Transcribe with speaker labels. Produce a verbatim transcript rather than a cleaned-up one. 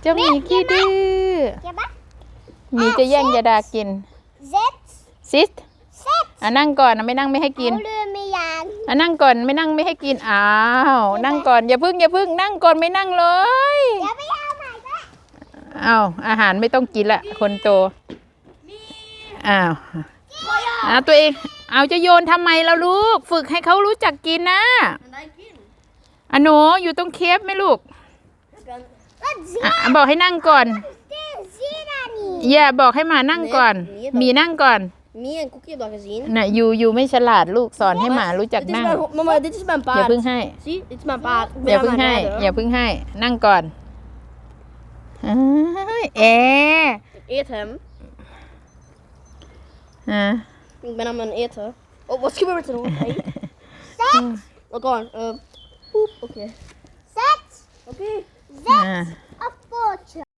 Speaker 1: จ้าหมีขี้ดื้อหมีจะแย่งยาดากินซิสอ่ะนั่งก่อนนะไม่นั่งไม่ให้กินอ่ะนั่งก่อนไม่นั่งไม่ให้กินอ้าวนั่งก่อนอย่าพึ่งอย่าพึ่งนั่งก่อนไม่นั่งเลยอ้าวอาหารไม่ต้องกินละคนโตอ้าวอ่ะตัวเองเอาจะโยนทำไมล่ะลูกฝึกให้เขารู้จักกินนะอ่ะหนูอยู่ตรงเคฟไหมลูกอ่ะบอกให้นั่งก่อนอย่าบอกให้หมานั่งก่อนมีนั่งก่อน
Speaker 2: มีen koekje heb dat gezien.
Speaker 1: น่ะอยู่อยู่ไม่ฉลาดลูกสอนให้หมารู้จัก
Speaker 2: Dit is
Speaker 1: นั่ง
Speaker 2: mijn, mama, dit is mijn
Speaker 1: อย่า
Speaker 2: paard.
Speaker 1: เพิ่งให้
Speaker 2: Zie, dit is mijn paard. Ik
Speaker 1: อย่า
Speaker 2: ben
Speaker 1: เพิ่ง
Speaker 2: aan
Speaker 1: ให้
Speaker 2: het rijden.
Speaker 1: อย่าเพิ่งให้นั่งก่อนเอ้ยเอ
Speaker 2: Ik eet hem.
Speaker 1: อ่ะ
Speaker 2: Ik ben aan het eten. Oh, wat gebeurt er nou? Hey. Wat dan? Uh, poep, oké. Okay. Oké.
Speaker 1: Okay.